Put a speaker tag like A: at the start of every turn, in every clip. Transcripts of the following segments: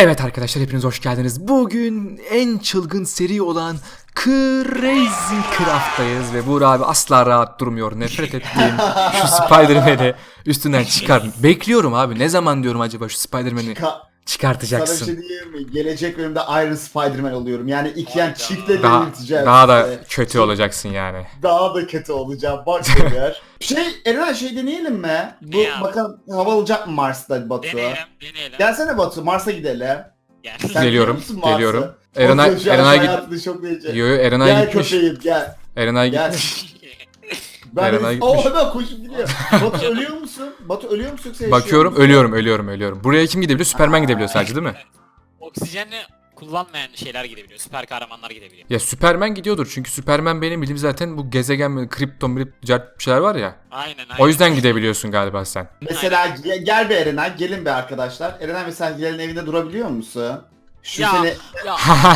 A: Evet arkadaşlar, hepiniz hoş geldiniz. Bugün en çılgın seri olan Crazy Craft'tayız ve Buğra abi asla rahat durmuyor. Nefret ettiğim şu Spider-Man'i üstünden çıkar. Bekliyorum abi, ne zaman diyorum acaba şu Spider-Man'i çıkartacaksın.
B: Sana bir şey diyeyim mi? Gelecek bölümde Iron Spider-Man oluyorum. Yani iki çiftle delirteceğim.
A: Daha da kötü olacaksın yani.
B: Daha da kötü olacağım. Bak eğer. Eren deneyelim mi? Bu bakalım hava olacak mı Mars'ta Batu?
C: Deneyelim.
B: Gelsene Batu, Mars'a gidelim.
C: Gel.
B: Sen
A: Geliyorum,
B: biliyor musun Mars'ı?
A: geliyorum.
B: Git.
A: Erenay
B: Gel
A: gitmiş.
B: köpeğim gel.
A: Erenay
B: Gel.
A: gitmiş.
B: Ben
A: gitmiş.
B: hemen koşup gidiyor. Batu ölüyor musun? Batu ölüyor musun yoksa yaşıyor
A: Bakıyorum,
B: musun?
A: ölüyorum. Buraya kim gidebiliyor? Superman gidebiliyor sadece, değil mi?
C: Oksijenle kullanmayan şeyler gidebiliyor. Süper kahramanlar gidebiliyor.
A: Ya Superman gidiyordur çünkü Superman benim bildiğim zaten bu gezegen, kripton, bir şeyler var ya.
C: Aynen.
A: O yüzden gidebiliyorsun galiba sen.
B: Mesela gel be Erenay, gelin be arkadaşlar. Erenay mesela Gilal'in evinde durabiliyor musun? Şu
C: Ya,
B: seni...
C: ya.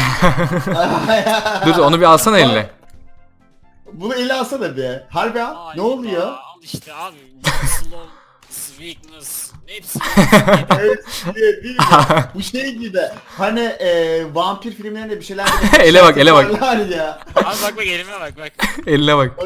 A: Dur onu bir alsana eline.
B: Bunu ele alsana bir. Harbi al.
C: Ay
B: Ne oluyor?
C: ya, Al işte abi. Slow, weakness. Hepsi.
B: Evet, değil mi? Bu şey gibi. Hani vampir filmlerinde bir şeyler...
A: Ele bak, ele bak.
C: Abi bak elime bak.
A: Eline bak.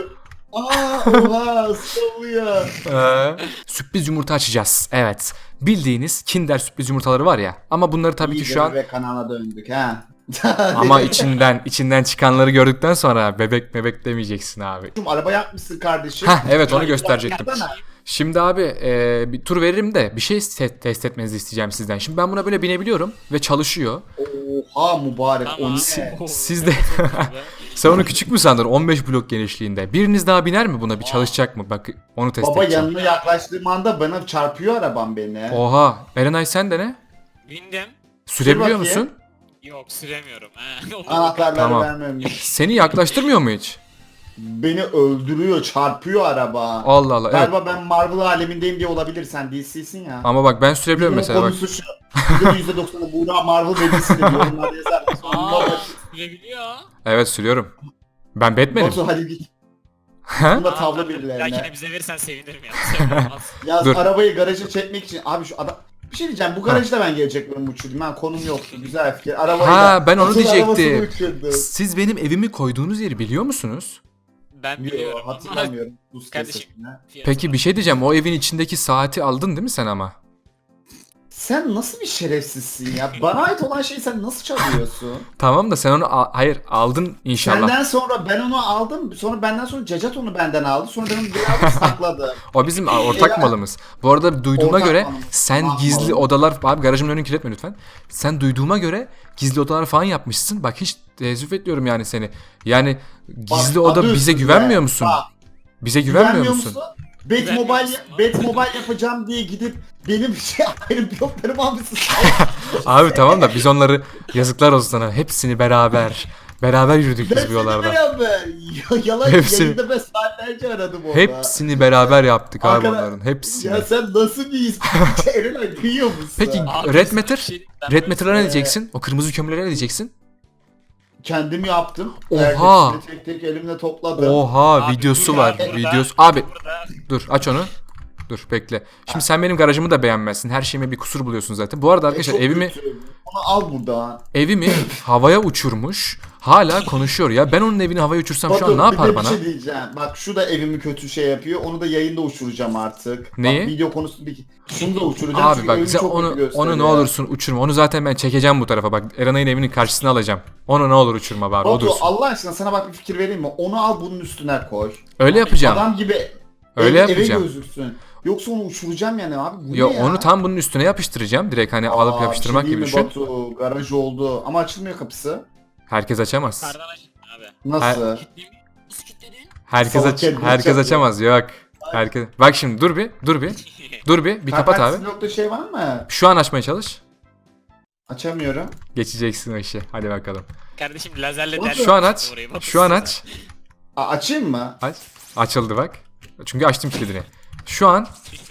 B: Oha sıvıyor.
A: Sürpriz yumurta açacağız. Evet. Bildiğiniz Kinder sürpriz yumurtaları var ya. Ama bunları tabii ki şu an...
B: Ve kanala döndük ha.
A: Ama içinden çıkanları gördükten sonra bebek demeyeceksin abi.
B: Araba yapmışsın kardeşim.
A: Hah evet, onu gösterecektim.
B: Yapsana.
A: Şimdi abi bir tur veririm de bir şey test etmenizi isteyeceğim sizden. Şimdi ben buna böyle binebiliyorum ve çalışıyor.
B: Oha mübarek.
C: Tamam.
B: O ne?
A: Siz de... Sen onu küçük mü sandın? 15 blok genişliğinde. Biriniz daha biner mi buna? Bir çalışacak mı? Bak onu test
B: Baba
A: edeceğim.
B: yanına yaklaştığım anda bana çarpıyor arabam beni.
A: Oha. Erenay sen de ne?
C: Bindim.
A: Sürebiliyor
B: bakayım.
A: musun?
C: Yok süremiyorum.
B: Anahtarları
A: Tamam.
B: vermemiş.
A: Seni yaklaştırmıyor mu hiç?
B: Beni öldürüyor, çarpıyor araba.
A: Allah Allah. Evet.
B: Galiba ben Marvel alemindeyim diye olabilir, sen DC'sin ya.
A: Ama bak ben sürebiliyorum
B: Bunun
A: mesela bak.
B: konusu şu. %90'ı Buğra Marvel dedisi de yorumlarda yazar.
C: Aa, sürebiliyor.
A: Evet sürüyorum. Ben Batman'im.
B: Batu hadi git.
A: Ha?
B: Bunda
C: Aa,
B: tavla
C: tabii.
B: birilerine.
C: Belki bize verirsen sevinirim ya. Olmaz.
B: Yaz
A: Dur.
B: arabayı garaja çekmek için. Abi şu adam... Bir şey diyeceğim, bu garajda ben gelecek bölüm uçurdum. Ben konum yoktu, güzel fikir. Arabayı
A: Ha, ben onu
B: Batu'nun
A: diyecektim.
B: arabasını uçurdum.
A: Siz benim evimi koyduğunuz yeri biliyor musunuz?
C: Ben biliyorum.
B: Yok, hatırlamıyorum. Buz
C: Kardeşim.
B: kesimine.
A: Peki bir şey diyeceğim. O evin içindeki saati aldın değil mi sen ama?
B: Sen nasıl bir şerefsizsin ya? Bana ait olan şeyi sen nasıl çalıyorsun?
A: Tamam da sen onu hayır aldın inşallah.
B: Senden sonra ben onu aldım. Sonra benden sonra Cacat onu benden aldı. Sonra ben onu bir aldım sakladım.
A: O bizim ortak malımız. Bu arada duyduğuma
B: Ortak
A: göre
B: malımız.
A: sen
B: Ah,
A: gizli
B: malım.
A: odalar... Abi garajımın önünü kirletme lütfen. Sen duyduğuma göre gizli odalar falan yapmışsın. Bak hiç teessüf ediyorum yani seni. Yani gizli
B: Bak,
A: oda
B: adı
A: bize
B: üstünde.
A: güvenmiyor musun?
B: Bak,
A: Bize güvenmiyor
B: güvenmiyor
A: musun?
B: Batmobile yapacağım diye gidip benim bloklarımı almışsın.
A: Abi tamam da biz onları yazıklar olsun sana. Hepsini beraber yürüdük biz bu yollarda.
B: Yalan
A: Hepsini-
B: yayında ben saatlerce aradım orada.
A: Hepsini beraber yaptık abi
B: Arkadaş-
A: onların. Hepsini.
B: Ya sen nasıl bir Erenay duyuyor musun?
A: Peki
C: Abi,
A: Red
C: bir
A: Matter?
C: şey- ben
A: Red
C: böyle-
A: Matter'a ne diyeceksin? O kırmızı kömürlere ne diyeceksin?
B: Kendim yaptım.
A: Oha!
B: Herkesini tek elimle topladım.
A: Oha
C: Abi,
A: videosu
C: bir
A: var.
C: burada-
A: Videosu. Abi
C: burada-
A: dur aç onu. Dur bekle. Şimdi sen benim garajımı da beğenmezsin. Her şeyime bir kusur buluyorsun zaten. Bu arada arkadaşlar
B: Çok
A: evimi
B: kötü. Onu al burada.
A: havaya uçurmuş. Hala konuşuyor ya. Ben onun evini havaya uçursam şu an ne
B: Batu,
A: yapar
B: bir de
A: bana?
B: Bir şey diyeceğim. Bak şu da evimi kötü şey yapıyor. Onu da yayında uçuracağım artık.
A: Neyi?
B: Bak, video konusu bir... Şunu da uçuracağım
A: Abi
B: çünkü
A: bak
B: evimi
A: sen
B: çok kötü
A: onu
B: gösteriyor.
A: ne olursun uçurma. Onu zaten ben çekeceğim bu tarafa. Bak Erenay'ın evinin karşısına alacağım. Onu ne olur uçurma bari. O
B: Batu
A: dursun.
B: Allah aşkına sana bak bir fikir vereyim mi? Onu al bunun üstüne koy.
A: Öyle yapacağım.
B: Adam gibi
A: Öyle
B: eve
A: yapacağım.
B: gözüksün. Yoksa onu uçuracağım yani abi. Bu
A: Yo
B: ne ya?
A: onu tam bunun üstüne yapıştıracağım. Direkt hani alıp
B: Aa,
A: yapıştırmak
B: bir şey
A: gibi
B: diyeyim mi
A: düşün.
B: Batu, garaj oldu ama açılmıyor kapısı.
A: Herkes açamaz.
C: Kardan açın abi.
B: Nasıl?
C: Kilitleyeyim mi? Nasıl kilitledin?
A: Herkes
B: Salak
A: açamaz. Yok. Herkes. Bak şimdi dur bir kapat abi.
B: Blokta şey var mı?
A: Şu an açmaya çalış.
B: Açamıyorum.
A: Geçeceksin o işi. Hadi bakalım.
C: Kardeşim lazerle
B: Batu,
C: deldim
A: Şu an aç.
C: orayı, bak
A: Şu an
C: size.
A: aç.
B: Açayım mı?
A: Aç. Açıldı bak. Çünkü açtım kilidini. Şu an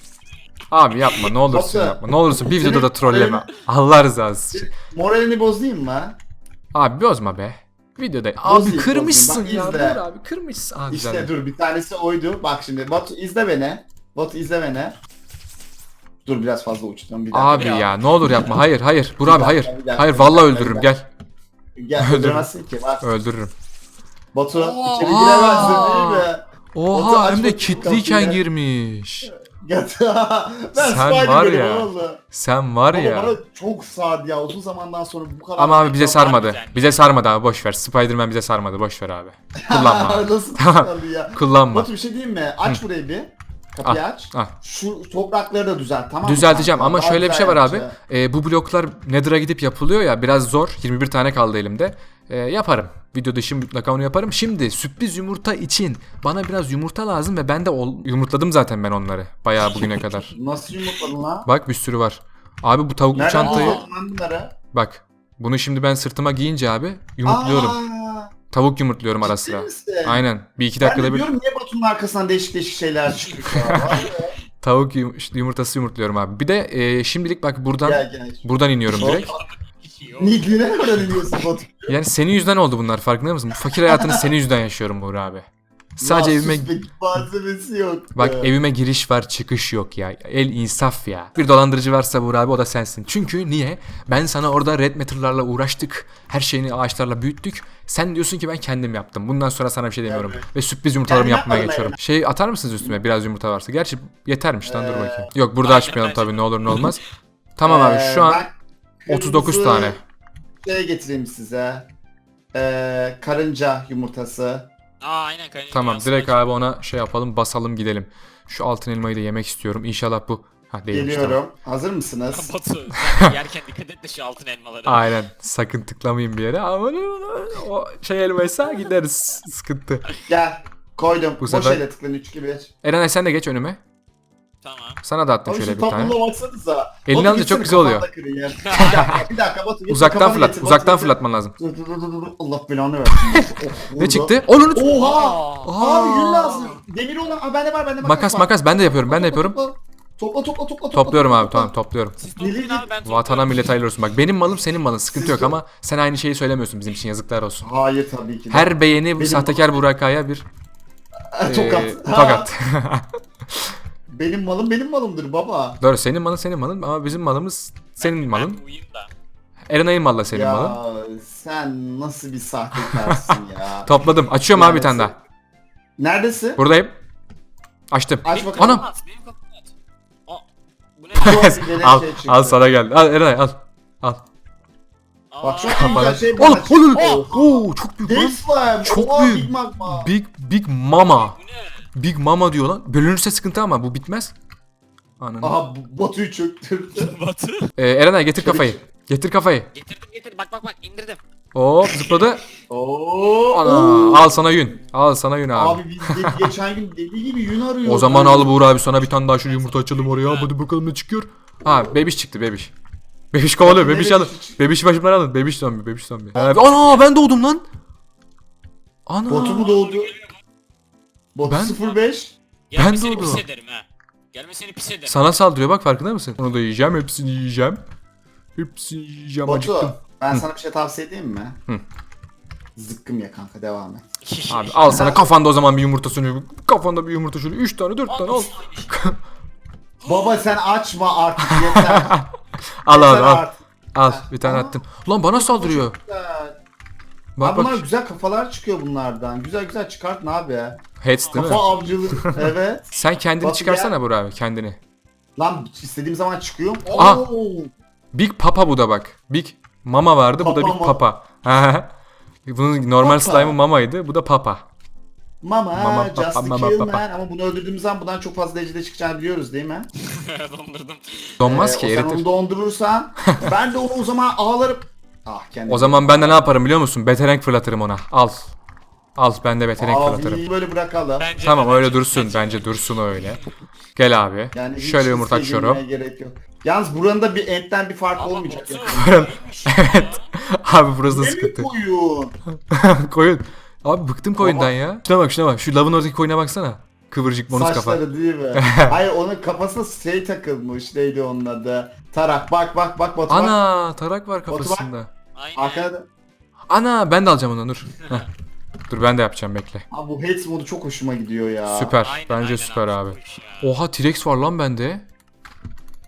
A: abi yapma ne olursun
B: Batu,
A: yapma. Ne olursun bir
B: senin
A: videoda da trolleme. Allah rızası için.
B: Moralini bozayım mı?
A: Abi bozma be. Videoda. Abi
B: Bozayım,
A: kırmışsın
B: bozayım. Bak,
A: ya.
B: izle.
A: Dur abi kırmışsın. Abi
B: İşte
A: güzel.
B: dur bir tanesi oydu. Bak şimdi Batu izle beni. Batu izle beni. Dur biraz fazla uçtum bir dakika.
A: Abi ya ne olur yapma. Hayır hayır. Burak abi hayır.
B: Bir dakika,
A: Hayır
B: bir
A: vallahi
B: dakika,
A: öldürürüm
B: bir
A: gel.
B: Gel öldüremezsin ki bak.
A: Öldürürüm.
B: Batu
C: Oo.
B: içeri giremezsin değil mi? Batu,
A: Oha
B: aç
A: hem de
B: bakayım
A: kitliyken
B: kapıyı.
A: girmiş.
B: Ben
A: Sen
B: Spider
A: var
B: değilim
A: ya.
B: oğlum.
A: Sen var
B: Ama
A: ya.
B: bana çok sardı ya uzun zamandan sonra bu kadar.
A: Ama abi bize sarmadı.
C: güzel.
A: Bize sarmadı abi boş ver. Spider-Man bize sarmadı boş ver abi. Kullanma. abi.
B: Nasıl
A: Tamam.
B: sardı ya?
A: Kullanma.
B: Batu bir şey diyeyim mi? Aç burayı bir. Kapıyı aç.
A: al.
B: Şu toprakları da düzelt tamam mı?
A: Düzelteceğim
B: kanka?
A: ama
B: Daha
A: şöyle bir
B: güzel
A: şey var abi.
B: yapacağım.
A: Bu bloklar Nether'a gidip yapılıyor ya biraz zor. 21 tane kaldı elimde. Yaparım. Video dışı mutlaka onu yaparım. Şimdi sürpriz yumurta için bana biraz yumurta lazım ve ben de yumurtladım zaten ben onları. Bayağı bugüne kadar.
B: Nasıl yumurtladın lan?
A: Bak bir sürü var. Abi bu tavuklu
B: Nereden
A: çantayı
B: buldun lan bunları?
A: bak. Bunu şimdi ben sırtıma giyince abi yumurtluyorum.
B: Aa,
A: Tavuk yumurtluyorum ara
B: ciddi
A: sıra.
B: misin?
A: Aynen. Bir iki
B: Ben de
A: dakikada bir
B: diyorum niye Batu'nun arkasından değişik değişik şeyler çıkıyor ya. Vay be.
A: tavuk yumurtası yumurtluyorum abi. Bir de şimdilik bak buradan
B: Gel.
A: buradan iniyorum direkt.
B: Nidline oradan iniyorsun Batu.
A: Yani senin yüzünden oldu bunlar farkında mısın? Bu fakir hayatını senin yüzünden yaşıyorum Buğra abi. Sadece
B: Ya
A: evime
B: sus be, malzemesi yok.
A: bak evime giriş var çıkış yok ya. El insaf ya. Bir dolandırıcı varsa Buğra abi o da sensin. Çünkü niye? Ben sana orada red matter'larla uğraştık. Her şeyini ağaçlarla büyüttük. Sen diyorsun ki ben kendim yaptım. Bundan sonra sana bir şey demiyorum.
B: Evet.
A: Ve sürpriz yumurtalarımı
B: Ben
A: yapmaya
B: yapmadım
A: geçiyorum.
B: yani.
A: Şey atar mısınız üstüme biraz yumurta varsa? Gerçi yetermiş lan dur bakayım. Yok burada
C: Aynen,
A: açmayalım
C: bence
A: tabii ne olur ne olmaz. Tamam abi şu an
B: ben
A: 39
B: kırmızı
A: tane.
B: Şey getireyim size. Karınca yumurtası.
C: Aynen kanka.
A: Tamam direkt abi ona şey yapalım basalım gidelim. Şu altın elmayı da yemek istiyorum. İnşallah bu... Ha değilmiş tamam.
B: Geliyorum. Hazır mısınız?
C: Batu sen yerken dikkat et de şu altın elmaları.
A: Aynen sakın tıklamayın bir yere ama o şey elmaysa gideriz sıkıntı.
B: Gel. Koydum.
A: Bu
B: Boş
A: sefer-
B: elle tıklayın 3 2 1.
A: Erenay sen de geç önüme.
C: Tamam.
A: Sana da attım
B: Abi
A: şöyle
B: şu
A: bir tane.
B: tablona baksanıza.
A: Elini
B: Batu
A: alınca çok
B: gitsene,
A: güzel oluyor.
B: kafanda kırın ya. Bir dakika Batu. getir,
A: Uzaktan
B: kafanı
A: fırlat.
B: getir, Batu,
A: Uzaktan
B: getir.
A: fırlatman lazım.
B: Dur. Allah belanı versin. Oh,
A: Ne
B: burada.
A: çıktı? Onun
B: Oha!
C: Aa.
B: Abi gül lazım. Demir olan. Aa, bende var.
A: Makas ben de yapıyorum ben de yapıyorum.
B: Topla.
A: Topluyorum abi tamam topluyorum.
C: Siz toplayın abi ben topluyorum.
A: Vatana millete hayırlı olsun. Bak benim malım senin malın sıkıntı yok ama sen aynı şeyi söylemiyorsun bizim için yazıklar olsun.
B: Hayır tabii ki de.
A: Her beğeni bu
B: Benim-
A: sahtekar Burakaya bir
B: Tokat.
A: tokat.
B: Benim malımdır baba.
A: Doğru senin malın ama bizim malımız senin malın.
C: Ben uyuyayım da.
A: Erenay'ın malla senin
B: Ya
A: malın.
B: sen nasıl bir sahtekarsın ya.
A: Topladım. Açıyorum abi bir tane daha.
B: Neredesin?
A: Buradayım. Açtım.
B: Aç bakalım.
A: Anam.
C: Benim kapımı aç. Aa, bu ne?
A: al,
B: Şey çıktı.
A: al sana geldi. Al Erenay al. Al.
B: Bak şu
C: Aa,
B: an güzel şey
A: Oğlum,
B: bana çıktı.
A: oğlum. Oo, çok büyük lan.
B: Death Slime.
A: Çok
B: Oha,
A: büyük.
B: Big Magma.
A: Big Mama.
C: Bu ne?
A: Big Mama diyor lan. Bölünürse sıkıntı ama bu bitmez. Ananı.
B: Aha Batu'yu çöktürdü.
C: Batu.
A: Erenay getir kafayı. Getir kafayı.
C: Getir. Bak indirdim.
A: Hop zıpladı.
B: Oo.
A: Ana. Al sana yün. Al sana yün abi.
B: Abi biz geçen gün deli gibi yün arıyoruz.
A: O zaman al Buğra abi sana bir tane daha şu yumurta açalım oraya. Hadi bakalım ne çıkıyor. Ha bebiş çıktı bebiş. Bebiş kovalıyor.
B: Bakın
A: Bebiş
B: ne
A: alın.
B: bebiş?
A: Bebiş başımdan alın. Bebiş zombi. Bebiş zombi. Ana ben doğdum lan. Ana.
B: Batu mu doğdu? Batu
A: Ben-
B: 05.
C: Gelmesini
A: doğdum.
C: pis ederim ha. Gelmesini pis ederim.
A: Sana saldırıyor bak farkında mısın? Onu da yiyeceğim. Hepsini yiyeceğim. Hepsini yiyeceğim. Acıktım.
B: Batu ben sana bir şey tavsiye edeyim mi?
A: Hı.
B: Zıkkım ya kanka devam et.
A: Abi al sana kafanda o zaman bir yumurta sunuyor. Kafanda bir yumurta şöyle 3 tane 4 tane al.
B: Baba sen açma artık yeter.
A: Al
B: Yeter
A: abi al.
B: artık.
A: Al bir tane
B: Aa.
A: attım. Ulan bana saldırıyor.
B: Güzel.
A: Bak
B: Abi bunlar
A: bak.
B: güzel kafalar çıkıyor bunlardan. Güzel çıkartın abi ya.
A: Heads değil mi?
B: Kafa avcılığı. Evet.
A: Sen kendini
B: Batu
A: çıkarsana Burak abi kendini.
B: Lan istediğim zaman çıkıyor.
A: Aha.
B: Oo.
A: Big Papa bu da bak. Big Mama vardı bu da
B: Papa
A: Big
B: mı?
A: Papa. Bunun normal
B: Papa.
A: slime'ı Mama'ydı bu da Papa.
B: Mama,
A: Mama,
B: just
A: papa,
B: a
A: mama,
B: kill
A: papa.
B: man. Ama bunu öldürdüğümüz zaman bundan çok fazla derecede çıkacağını biliyoruz değil mi?
C: Dondurdum.
A: Donmaz ki
B: Sen
A: eritir.
B: onu dondurursan ben de onu o zaman ağlarım. Ah kendim.
A: O zaman ben de ne yaparım biliyor musun? Beterenk fırlatırım ona. Al. Al ben de beterenk fırlatırım.
B: Abi böyle bırakalım.
C: Bence
A: Tamam
C: de,
A: öyle
C: bence-
A: dursun. Bence dursun öyle. Gel abi.
B: Yani hiç
A: Şöyle yumurta
B: riske
A: açıyorum.
B: girmeye gerek yok. Yalnız buranın da bir etten bir fark
C: Ama
B: olmayacak.
C: Batu,
B: Ya.
A: Evet. Abi burası da
B: Ne mi
A: sıkıntı.
B: koyun?
A: Koyun. Abi bıktım koyundan ya. Şuna bak. Şu lavın oradaki koyuna baksana. Kıvırcık bonus kafa.
B: Saçları değil mi? Hayır onun kafasına şey takılmış. Neydi onun adı? Tarak. Bak Batu bak.
A: Ana tarak var
B: bak.
A: kafasında.
C: Aynen.
B: Arkada da.
A: Ana ben de alacağım onu dur. Heh. Dur ben de yapacağım bekle.
B: Abi bu Hades modu çok hoşuma gidiyor ya.
A: Süper.
C: Aynen,
A: Bence
C: aynen
A: süper abi.
C: çok hoş ya.
A: Oha T-Rex var lan bende.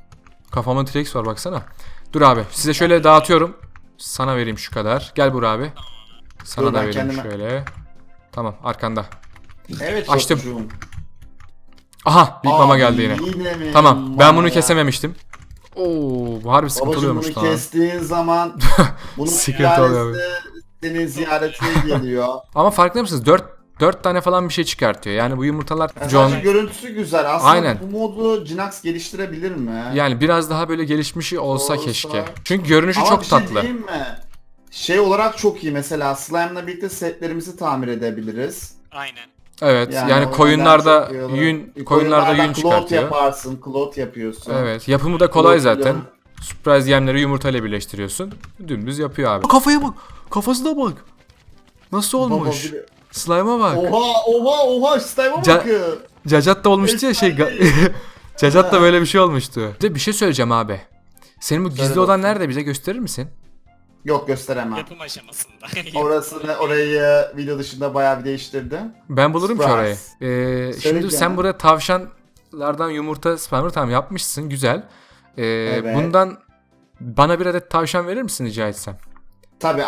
A: Kafamda T-Rex var baksana. Dur abi size şöyle dağıtıyorum. Sana vereyim şu kadar. Gel Buğra abi. Sana
B: Dur,
A: da
B: ben
A: vereyim
B: kendime-
A: şöyle. Tamam arkanda.
B: Evet
A: Açtım.
B: çocuğum.
A: Aha Big Mama
B: Abi,
A: geldi yine.
B: mi
A: Tamam ben
B: mama
A: bunu
B: ya?
A: kesememiştim. Oo bu harbi sıkıntı
B: Babacım bunu
A: oluyormuş lan.
B: kestiğin zaman bunun
A: Sıkıntı oluyor.
B: senin ziyaretine geliyor.
A: Ama farkında mısınız? 4 tane falan bir şey çıkartıyor. Yani bu yumurtalar
B: Yani
A: John
B: sadece görüntüsü güzel. Aslında
A: Aynen.
B: bu modu Jinax geliştirebilir mi?
A: yani biraz daha böyle gelişmişi olsa
B: Olsa.
A: keşke. Çünkü görünüşü
B: Ama
A: çok
B: bir şey
A: tatlı.
B: diyeyim mi? Şey olarak çok iyi. Mesela Slime'la birlikte setlerimizi tamir edebiliriz.
C: Aynen.
A: Evet.
B: Yani
A: Yani
B: o
A: koyunlarda
B: yönden çok iyi olur.
A: yün koyunlarda yün
B: cloth
A: çıkartıyor.
B: yaparsın, cloth yapıyorsun.
A: Evet. Yapımı da kolay
B: Cloth
A: zaten.
B: ile-
A: Surprise yemleri yumurtayla birleştiriyorsun. Dümdüz yapıyor abi. Kafaya bak. Kafasına bak. Nasıl olmuş?
B: Baba bir-
A: Slime'a bak.
B: Oha Slime'a
A: Ca-
B: bakın.
A: Cacat da olmuştu ya şey. Cacat da böyle bir şey olmuştu. Bir de bir şey söyleyeceğim abi. Senin bu gizli
B: Söyle
A: odan
B: bakayım.
A: nerede bize gösterir misin?
B: Yok gösteremem.
C: Yapım aşamasında.
B: Orayı video dışında bayağı bir değiştirdim.
A: Ben bulurum ki orayı.
B: Surprise.
A: Şimdi
B: Söyle
A: sen
B: canım.
A: buraya tavşanlardan yumurta spamları tamam yapmışsın. Güzel.
B: Evet.
A: Bundan bana bir adet tavşan verir misin rica etsem?
B: Tabii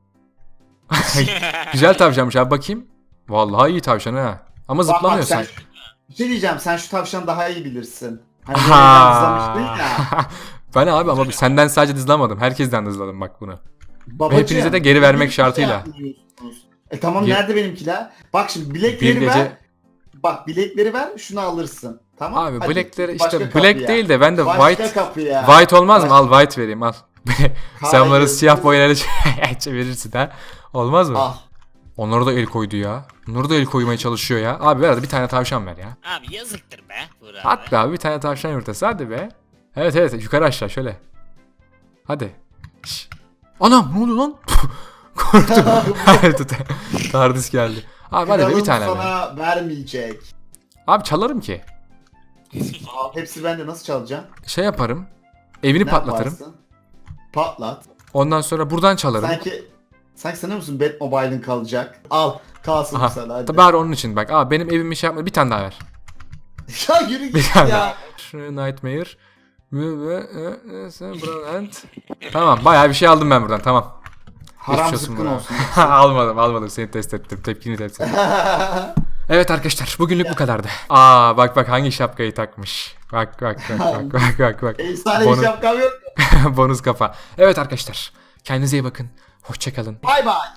A: Güzel tavşanmış abi bakayım. Vallahi iyi tavşan ha. Ama
B: Bak,
A: zıplamıyor
B: sen,
A: sanki.
B: bir şey diyeceğim, sen şu tavşanı daha iyi bilirsin. Hani
A: Aha.
B: izlemiştin ya.
A: Ben abi ama senden sadece dızlamadım. Herkesten dızladım bak bunu.
B: Babacığım,
A: hepinize de geri vermek
B: bir şey
A: şartıyla.
B: yapmıyorsunuz. Tamam
A: Bir-
B: nerede benimkiler? Bak şimdi bilekleri
A: Bir
B: ver.
A: gece
B: Bak bilekleri ver, şunu alırsın. Tamam?
A: abi
B: Hadi,
A: blackleri
B: başka
A: işte black
B: kapıya.
A: değil de ben de
B: Başka
A: white
B: kapıya.
A: white olmaz mı? Al white vereyim al. Sen bunları
B: Hayır.
A: siyah boyayla çevirirsin ha. Olmaz mı?
B: Al.
A: Onlara da el koydu ya. Onlara da el koymaya çalışıyor ya. Abi ver hadi bir tane tavşan ver ya.
C: Abi yazıktır be. Buğra abi.
A: At be abi bir tane tavşan yumurtası hadi be. Evet yukarı aşağı şöyle. Hadi. Şş. Anam ne oldu lan? Korktum. Tardis geldi. Abi hadi be, bir
B: Kralım
A: tane be.
B: sana vermeyecek.
A: Abi çalarım ki.
B: Al, hepsi bende, nasıl çalacağım?
A: Şey yaparım. Evini
B: Ne
A: patlatırım.
B: yaparsın? Patlat.
A: Ondan sonra buradan çalarım.
B: Sanki sanıyor musun Batmobile'ın kalacak? Al kalsın
A: Aha.
B: sana hadi.
A: Tabii bari onun için bak. Abi benim evimi şey yapma. Bir tane daha ver.
B: Ya yürü
A: Bir
B: git
A: tane
B: ya.
A: daha. Nightmare. Tamam bayağı bir şey aldım ben buradan tamam.
B: Haram
A: Geçmiş olsun
B: zıkkın
A: bana.
B: olsun.
A: almadım seni test ettim tepkini test ettim. Evet arkadaşlar bugünlük bu kadardı. Aa bak hangi şapkayı takmış. Bak.
B: Efsane
A: Bonus-
B: bir şapkam yok.
A: Bonus kafa. Evet arkadaşlar kendinize iyi bakın. Hoşçakalın.
B: Bay bay.